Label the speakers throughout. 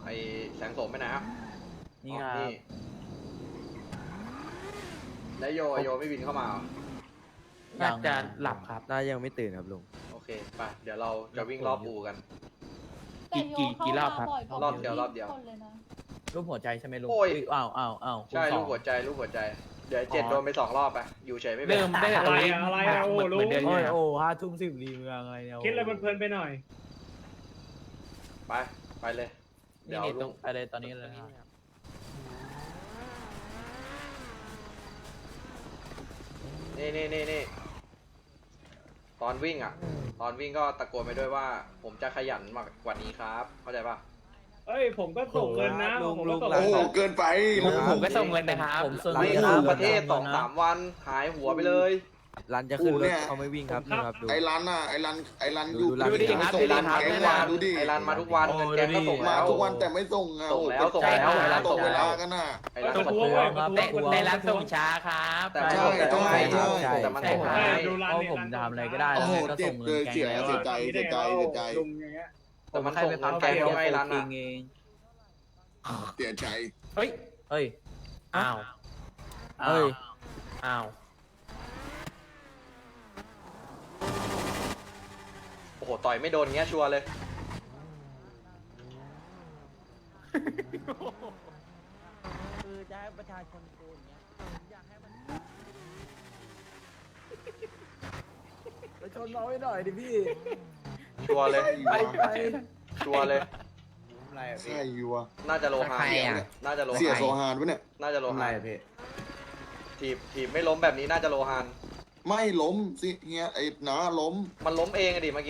Speaker 1: ไอแสงโสมไปไหนครับ
Speaker 2: นี่ครับ
Speaker 1: แล้วโยไม่บินเข้ามาเหรอ
Speaker 3: น่าจะหลับครับ
Speaker 2: น่ายังไม่ตื่นครับลุง
Speaker 1: โอเคไปเดี๋ยวเราจะวิ่งรอบอูกัน
Speaker 3: กี่รอบครับ
Speaker 1: รอบเดียวรอบเดียว
Speaker 4: คนเลยนะ
Speaker 2: รูปหัวใจใช่ไหมลุง
Speaker 1: โอ้ย
Speaker 2: อ้าว
Speaker 1: ใช่ลูกหัวใจลูกหัวใจเดี๋ยว7โดนไป2 รอบไปอยู่เฉยไม่เป็น
Speaker 3: เริ่มได้แต่ตรงนี้
Speaker 5: อะไรอะโอ้
Speaker 3: เหมือนเดิน
Speaker 2: โอ้
Speaker 3: ใช่
Speaker 2: ย
Speaker 3: ไหมครับ
Speaker 2: โอ้5 ทุ่ม 10รีเมืองอะไรเนี่ย
Speaker 5: คิดอะไรเพลินๆไปหน่อย
Speaker 1: ไปเลย
Speaker 3: นี่
Speaker 1: เดี๋ยว
Speaker 3: ตรง
Speaker 2: ไปเลยตอนนี้เลยครับ
Speaker 1: นี่ตอนวิ่งก็ตะโกนไปด้วยว่า ผมจะขยันมากกว่านี้ครับเข้าใจป่ะ
Speaker 5: เอ้ยผมก็ส่งเงินนะผมก็ส่ง
Speaker 6: โอ้โหเกินไป
Speaker 3: ผมก็ส่งเงินนะครับ
Speaker 2: ผมส่ง
Speaker 1: ไม่
Speaker 2: เงิน
Speaker 1: ครับ
Speaker 2: คบ
Speaker 1: ประเทศ2-3 วันหายหัวไปเลย
Speaker 2: รันจะขึ้นร
Speaker 6: เนี่
Speaker 2: ถ
Speaker 6: ย
Speaker 2: เขาไม่วิ่งครับนี่ครับดู
Speaker 6: ไอ้รันน่ะไอ้รัน
Speaker 2: ดู
Speaker 6: อยู่
Speaker 2: ดูดิ
Speaker 3: ครับ
Speaker 6: ส่ง
Speaker 3: ดูดิ
Speaker 6: รัน
Speaker 3: ครับ
Speaker 6: แกง
Speaker 3: ดูดิ
Speaker 6: มาดูดิ
Speaker 1: ไอรันมาทุกวันเงินแกงก็ส่ง
Speaker 6: มา
Speaker 1: แล้ว
Speaker 6: ทุกวันแต่ไม่ส่งอ่ะ
Speaker 1: ส่งแล้ว
Speaker 6: โอ้
Speaker 1: ส่งแล้ว
Speaker 6: เป็น
Speaker 1: ไอ้รัน
Speaker 6: ต
Speaker 1: ส่
Speaker 6: ก
Speaker 1: ง
Speaker 6: เว
Speaker 1: แล้
Speaker 6: ลาว กันน่ะ
Speaker 1: ไอรัน
Speaker 5: ประ
Speaker 1: ส่ง
Speaker 5: ท้วง
Speaker 1: แล้ว
Speaker 5: ประท้วง
Speaker 3: ในร้านส่งช้าครับ
Speaker 1: แต่มันส่งแล้วไง
Speaker 6: ใช่
Speaker 1: แต่มัน
Speaker 3: ใช่
Speaker 1: ส่ง
Speaker 3: ครับ
Speaker 1: ให้
Speaker 5: ดูร้าน
Speaker 2: เพราะ
Speaker 5: นี้
Speaker 2: ผมทำอะไรก็ได้
Speaker 6: โอ้
Speaker 2: แล้ว
Speaker 6: โห
Speaker 2: ก็
Speaker 6: เจ็
Speaker 2: ส่
Speaker 6: บ
Speaker 2: ง
Speaker 6: เล
Speaker 2: เงิน
Speaker 6: ย
Speaker 2: แกง
Speaker 6: เสีย
Speaker 2: แล้ว
Speaker 6: เสียใจเสียใจเสียใจ
Speaker 5: ลุงอย่างเงี้ย
Speaker 1: แต่มันส่งเงินแกงแล้วไงรัน
Speaker 2: เอ
Speaker 1: อ่ะ
Speaker 2: ง
Speaker 6: เสียใจ
Speaker 3: เฮ้ย
Speaker 2: เอ้ย
Speaker 3: อ้าว
Speaker 2: เอ้ย
Speaker 3: อ้าว
Speaker 1: โอ้โหต่อยไม่โดนเงี้ยชัวร์เลย
Speaker 2: คือจะให้ประชาชนโกนเงี้ยอยากให้มันประชาชนน้อยหน่อยดิพี่
Speaker 1: ชัวร์เลย
Speaker 6: ไป
Speaker 1: ชัวร์เลย
Speaker 2: อะไรอะ
Speaker 6: ใช่
Speaker 2: พี่
Speaker 6: อยู่วะ
Speaker 1: น่าจะโลหะ
Speaker 3: ใครอ่ะ
Speaker 1: น่าจะโล
Speaker 6: เสีย
Speaker 1: หะ
Speaker 6: โซฮานปะเนี่ย
Speaker 1: น่าจะโล
Speaker 2: อะไร
Speaker 1: หะ
Speaker 2: อะพี่
Speaker 1: ถีบไม่ล้มแบบนี้น่าจะโลหาน
Speaker 6: ไม่ล้มสิเงี้ยไอ้น้าล้ม
Speaker 1: มันล้มเองอะดิเมื่อกี้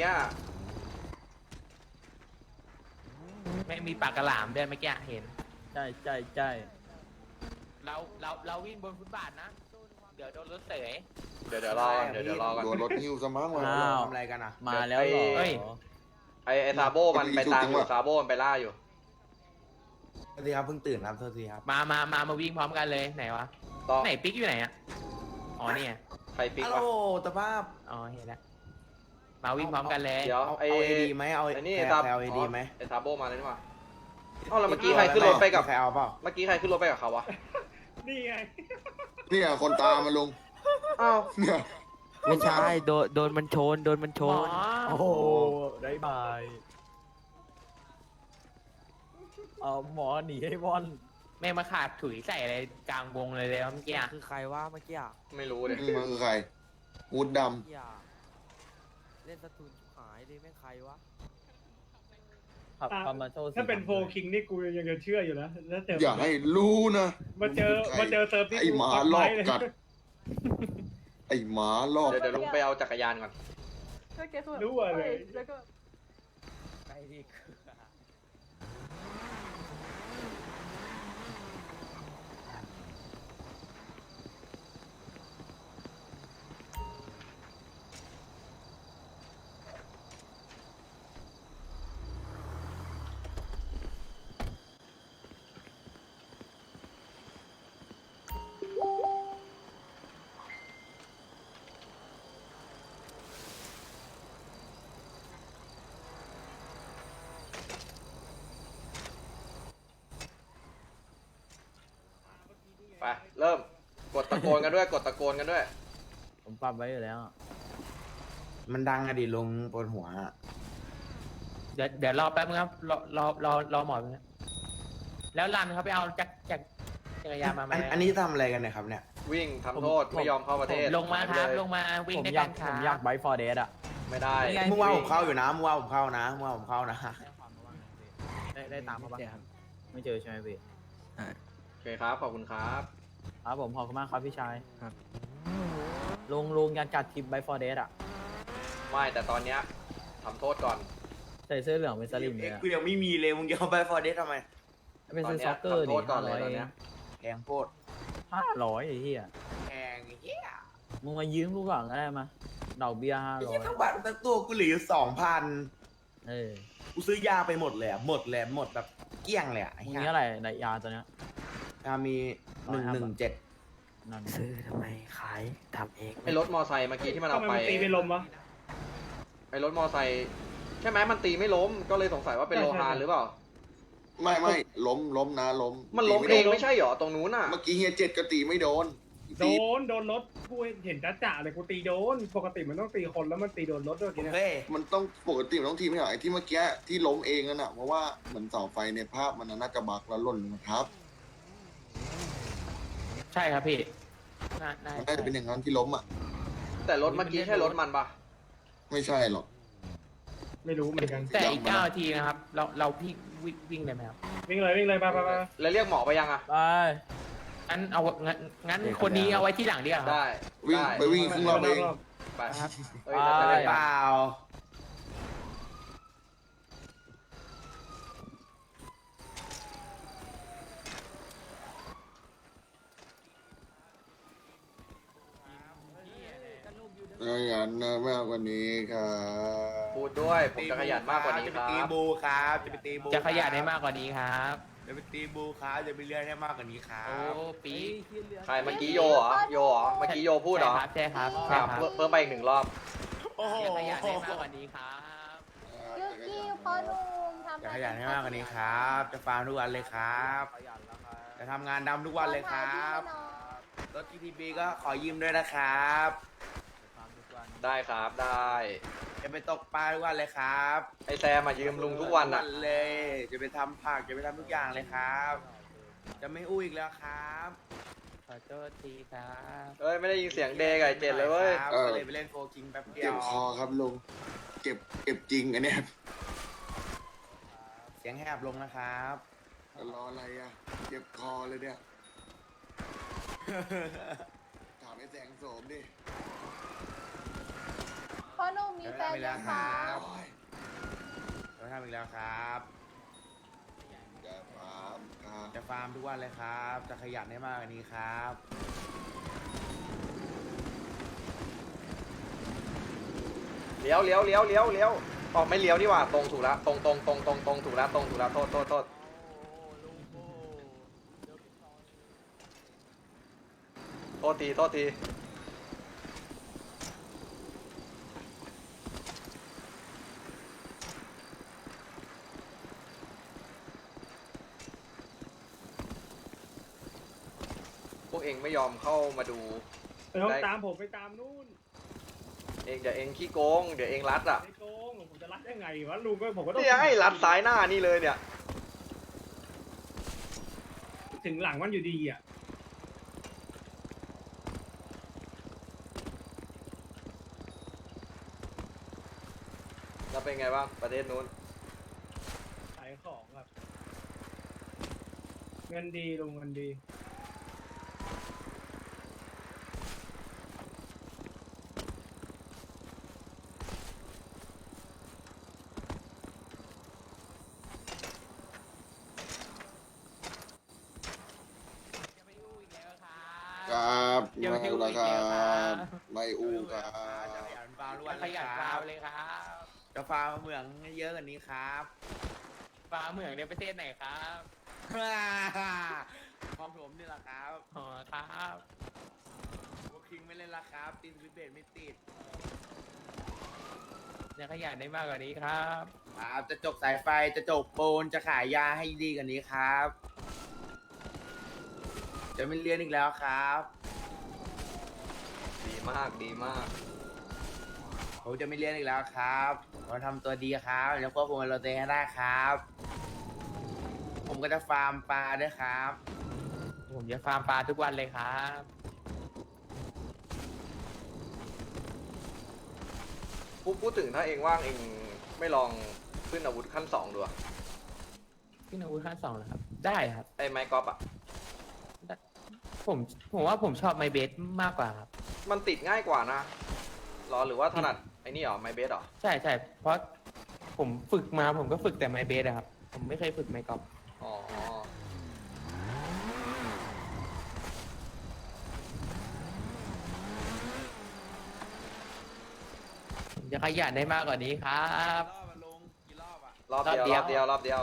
Speaker 3: ไม่มีปากกระหล่ำด้วยเมื่อกี้เห็น
Speaker 2: ใช่
Speaker 3: เราวิ่งบนฟุตบาทนะ เดี๋ยวโดนรถเสย
Speaker 1: เดี๋ยวรอก่อนเดี๋ยวรอก่อน
Speaker 6: โดนรถหิ้วซะมั้งวะ
Speaker 2: อ้าว
Speaker 7: ทำอะไรกันอ่ะ
Speaker 2: มาแล้วเหรอ
Speaker 1: เฮ้ย ไอซาโบมันไปตามอยู่ซาโบมันไปล่าอยู่
Speaker 7: สวัสดีครับเพิ่งตื่นครับโทษทีครับ
Speaker 3: มาวิ่งพร้อมกันเลยไหนวะ
Speaker 1: ต่อ
Speaker 3: ไหนปิ๊กอยู่ไหนอ่ะ อ๋อเนี่ย
Speaker 1: ใครปิ๊ก
Speaker 7: ฮัลโหล
Speaker 1: วะ
Speaker 7: ตะภาพ
Speaker 3: อ๋อเห็นแล้วมาวิ่งพร้อมกันเลย
Speaker 1: เดี๋ยว
Speaker 7: เอา
Speaker 1: ไอ
Speaker 7: เอดีไหมเอา
Speaker 1: ไอนี่
Speaker 7: ใคร
Speaker 1: ซา
Speaker 7: เอาเอดีไหม
Speaker 1: ไอซาโบมาเลยนี่หว่าเอ้าแล้วเมื่อกี้ใครขึ้นรถไปกับ
Speaker 7: ใครเอาเปล่า
Speaker 1: เมื่อกี้ใครขึ้นรถไปกับเขาวะ
Speaker 5: นี่ไง
Speaker 6: เนี่ยคนตามมาลุง
Speaker 1: อ้าว
Speaker 6: เนี่ย
Speaker 2: ไม่ใช่โดนมันชน
Speaker 3: หมอ
Speaker 2: โอ้โหได้บายเอาหมอหนีให้บอล
Speaker 3: แม่งมาขาดถุยใส่อะไรกลางวงเลยเมื่อกี้อะ
Speaker 2: คือใครว่าเมื่อกี้อะ
Speaker 1: ไม่รู้เลย
Speaker 6: มันคือใครวูดด
Speaker 2: เมื่อกี้อะเล่นสตูนชิบหายเลยแม่งใครวะขับคอมมาโชว์
Speaker 5: ถ้าเป็นโฟคิงนี่กูยังจะเชื่ออยู่นะแล้วแต่
Speaker 6: ำอย่าให้รู้นะ
Speaker 5: มาเจอเซิร์ฟที่
Speaker 6: ไอ้หมาลอกกัด ไอ้หมาลอก
Speaker 1: เดี๋ยวลุงไปเอาจักรยานก่อน
Speaker 4: ก็เกสแบบ
Speaker 5: รู้อะเลย
Speaker 4: แล้วก็
Speaker 2: ไปดิ
Speaker 1: ไปเริ่มกดตะโกนกันด้วยกดตะโกนกันด้วย
Speaker 2: ผมปรับไว้อยู่แล้วอะ
Speaker 7: มันดังอะดิลงบนหัวอะ
Speaker 3: เดี๋ยวรอแป๊บนึงครับรอหมอแป๊บนึงแล้วรันเขาไปเอาจักรยานมาไหม
Speaker 7: อันนี้ทำอะไรกันเนะครับเนี่ย
Speaker 1: วิ่งทำโทษไม่ยอมเข้าประเทศ
Speaker 3: ลงมาครับ
Speaker 1: หยไปเย
Speaker 3: ลงมาวิ่ง
Speaker 2: ผม
Speaker 3: ด้วย
Speaker 2: อยา
Speaker 3: กั
Speaker 2: ก
Speaker 3: นค
Speaker 2: ผ
Speaker 3: รับ
Speaker 2: มอยากไบฟอร์เดสอะ
Speaker 1: ไม่ได้
Speaker 2: นี่ไง
Speaker 7: เมื่อวานผมเข้าอยู่นะเมื่อวานผมเข้านะ
Speaker 2: ได้ตามมาปะไม่เจอใช่ไหมพี่
Speaker 1: โอเคครับขอบคุณครับ
Speaker 2: ครับผมขอบคุณมากครับพี่ชายครับลุงอยากจัดทริปไบฟอร์เดสอะ
Speaker 1: ไม่แต่ตอนเนี้ยทำโทษก่อน
Speaker 2: ใส่เสื้อเหลืองเป็นสลิมเลยอะ
Speaker 7: กูยังไม่มีเลยมึงจะเอาไปฟอร์เดสทำไม
Speaker 2: เป็น
Speaker 1: ตอน
Speaker 2: ซื้อ
Speaker 1: เนี้
Speaker 2: ซ็
Speaker 1: ย
Speaker 2: อกเกอร์
Speaker 1: ทำโท
Speaker 2: ดิ
Speaker 1: ษก่อนเลย
Speaker 2: 500
Speaker 1: ตอนเนี้ย
Speaker 7: แพงโคตร
Speaker 2: 500ไอ้เหี้ย
Speaker 7: แพงเฮีย
Speaker 2: มึงมายืมกูก่อนก็ได้มาดอกเบี้ย
Speaker 7: ไอ้เฮีย
Speaker 2: 500
Speaker 7: ทั้งบัตรทั้งตัวกูเหลืออยู่2,000
Speaker 2: เออ
Speaker 7: กูซื้อยาไปหมดเลยอะหมดแบบเกลี้ยงเลยอะไอ้
Speaker 2: มึง
Speaker 7: เฮีย
Speaker 2: นี้อะไรในยาตัวเนี้ย
Speaker 7: มี117
Speaker 2: นั่นซื้อทำไมขายทำเอง
Speaker 1: ไอรถมอไซค์เมื่อกี้ที่มัน
Speaker 5: ทำ
Speaker 1: เอา
Speaker 5: ไม
Speaker 1: ไป
Speaker 5: มันตีไม่ลมวะ
Speaker 1: ไอรถมอไซค์ใช่ไหมมันตีไม่ล้มก็เลยสงสัยว่าเป็นโลหะหรือเปล่า
Speaker 6: ไม่ล้มนะล้ม
Speaker 1: มันล้ม
Speaker 6: ตี
Speaker 1: เอง
Speaker 6: ไโดน
Speaker 1: ไม่ใช่เหรอตรงนู้นอ่ะ
Speaker 6: เมื่อกี้เฮียเจ็ดก็ตีไม่โดน
Speaker 5: โดนรถกูเห็นจ่าเลยกูตีโดน ปกติมันต้องตีคนแล้วมันตีโดนรถด้วยที
Speaker 7: โอ
Speaker 5: เนี้ย
Speaker 7: เค
Speaker 6: มันต้องปกติมันต้องทีไม่เหรอไอ้ที่เมื่อกี้ที่ล้มเองนั่นน่ะเพราะว่าเหมือนเสาไฟในภาพมันน่าจะบักแล้วหล่นลงมาทับ
Speaker 3: ใช่ครับพี่น่า
Speaker 6: มันน่าจะเป็นอย่างนั้นที่ล้มอ่ะ
Speaker 1: แต่รถเมื่อกี้ใช่รถมันปะ
Speaker 6: ไม่ใช่หรอก
Speaker 5: ไม่รู้เหมือนกัน
Speaker 3: แต่อีก9 นาทีนะครับ เราพี่วิ่งเลยไหมครับ
Speaker 5: วิ่งเลยไป
Speaker 1: แล้วเรียกหมอไปยังอ่ะ
Speaker 2: ไป
Speaker 3: งั้นคนนี้เอาไว้ที่หลังดีกว่าครับ
Speaker 1: ได้
Speaker 6: วิ่ง
Speaker 1: ได้
Speaker 6: ไปวิ่งครึ่งรอบเอง
Speaker 1: ไป
Speaker 3: ครับ
Speaker 1: เอ้ยจะได้
Speaker 7: เป
Speaker 1: ยัง
Speaker 7: ล่า
Speaker 6: ขยันมากกว่านี้ครับ
Speaker 1: พูดด้วยผมจะขยันมากกว่านี้ค
Speaker 7: จะ
Speaker 1: รั
Speaker 7: ไปตี
Speaker 1: บ
Speaker 7: บูครับจะไปตีบู
Speaker 3: จะขยันได้มากกว่านี้ครับ
Speaker 7: จะไปตีบูครับจะไปเลื่อนให้มากกว่านี้ครั
Speaker 3: โอ้
Speaker 7: บ
Speaker 3: ปี
Speaker 1: ใครเมื่อกี้โยเหรอโยเหรอเมื่อกี้โยพูดเหรอ
Speaker 3: ใช่ครับ
Speaker 1: อ่ะ
Speaker 3: ใช่ครับ
Speaker 1: เพิ่มไปอีก1 รอบ
Speaker 7: โอ้โห
Speaker 3: จะขยันได้มากกว่านี้ครับ
Speaker 4: ยุกี้พ่อหนุ่มทำ
Speaker 7: จะขยันให้มากกว่านี้ครับ จะฟาร์มทุกวันเลยครับ จะทำงานดำทุกวันเลยครับรถ GTB ก็ขอยืมด้วยนะครับ
Speaker 1: ได้ครับได้
Speaker 7: จะไปตกปลาทุกวันเลยครับ
Speaker 1: ไอแซมมายืมลุงทุกวันอ่ะ
Speaker 7: เลย จะไปทำผักจะไปทำทุกอย่างเลยครับ จะไม่อู้อีกแล้วครับ
Speaker 3: ขอโทษทีครับ
Speaker 1: เอ้ยไม่ได้ยินเสียงเดย์กับไอเจ็ดเลยเว้ย
Speaker 7: ครับก็เลยไปเล่นโฟร์คิงแป๊บเดีย
Speaker 6: เจ็บ
Speaker 7: ว
Speaker 6: คอครับลุงเจ็บจริงอันเนี้ย
Speaker 7: เสียงแหบลงนะครับ
Speaker 6: รออะไรอ่ะเจ็บคอเลยเนี่ยถามไอ้แสงโสมดิ
Speaker 4: พ่อหนุ่มมีแฟนยังคะ
Speaker 6: โอ้ย
Speaker 7: เราทำอีกแล้วครับ
Speaker 6: จะฟาร์มครับ
Speaker 7: จะฟาร์มทุกวันเลยครับ จะขยันให้มากกว่านี้ครับ
Speaker 1: เลี้ยวออกไม่เลี้ยวนี่หว่าตรงถูกแล้วตรงถูกแล้วตรงถูกแล้วโทษทีพวกเองไม่ยอมเข้ามาดู
Speaker 5: ต้องตามผมไปตามนู่น
Speaker 1: เองเดี๋ยวเองขี้โกงเดี๋ยวเองรัดอ่ะ
Speaker 5: ไอ้โกงผมจะรัดได้ไงวะลุงก็ผมก็ต้อง
Speaker 1: เนี่ยให้รัดซ้ายหน้านี่เลยเนี่ย
Speaker 5: ถึงหลังมันอยู่ดีอ่ะ
Speaker 1: แล้วเป็นไงบ้างประเทศนู้น
Speaker 5: ขายของครับ เงินดีลุงเงินดี
Speaker 6: ครับไม่อู้แล้วครับไม่อู้ครั
Speaker 7: จะ
Speaker 6: บ
Speaker 7: ขยันฟาร์มทุกวัน
Speaker 3: ข
Speaker 7: เลย
Speaker 3: ยัน
Speaker 7: ค
Speaker 3: ฟา
Speaker 7: รั
Speaker 3: ร์
Speaker 7: บ
Speaker 3: มเลยครับ
Speaker 7: จะฟาร์มเหมืองให้เยอะกว่านี้ครับ
Speaker 3: ฟาร์มเหมืองในประเทศไหนครับ
Speaker 7: ของผมนี่แหละครับ
Speaker 3: อ๋อครับ
Speaker 7: พวกคิงไม่เล่นละครับตีนวิเบตไม่ติด
Speaker 3: จะขยันได้มากกว่านี้ครับ
Speaker 7: ครับจะจกสายไฟจะจกปูนจะขายยาให้ดีกว่านี้ครับ จะไม่เรียนอีกแล้วครับ
Speaker 1: ดีมาก
Speaker 7: ผมจะไม่เรียนอีกแล้วครับผมทำตัวดีครับแล้วควบคุมเราตัวเองให้ได้ครับ ผมก็จะฟาร์มปลาด้วยครับ
Speaker 3: ผมจะฟาร์มปลาทุกวันเลยครับ
Speaker 1: พูดถึงถ้าเองว่างเองไม่ลองขึ้นอาวุธขั้น2ดูอะ
Speaker 3: ขึ้นอาวุธขั้น2เหรอครับ ได้ครับ
Speaker 1: ไอ้ไม้กอล์ฟอะ
Speaker 3: ผมว่าผมชอบไมเบสมากกว่าครับ
Speaker 1: มันติดง่ายกว่านะหรอหรือว่าถนัดไอ้นี่เหรอไม้เบสเหรอ
Speaker 3: ใช่ใช่เพราะผมฝึกมาผมก็ฝึกแต่ไมเบสอะครับ ผมไม่เคยฝึกไมกอล์ฟ
Speaker 1: อ๋อ
Speaker 3: ผมจะขยันได้มากกว่านี้ครับ
Speaker 7: รอบอะลุงกี่รอบอะ
Speaker 1: รอบเดียว
Speaker 3: รอบเดียว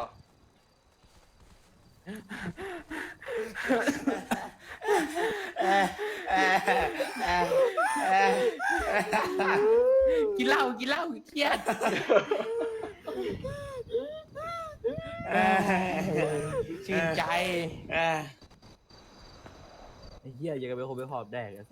Speaker 3: กินเหล้าเครียดชื่นใจ
Speaker 2: ไอ้เหี้ยยังกับเป็นคนไปหอบแดก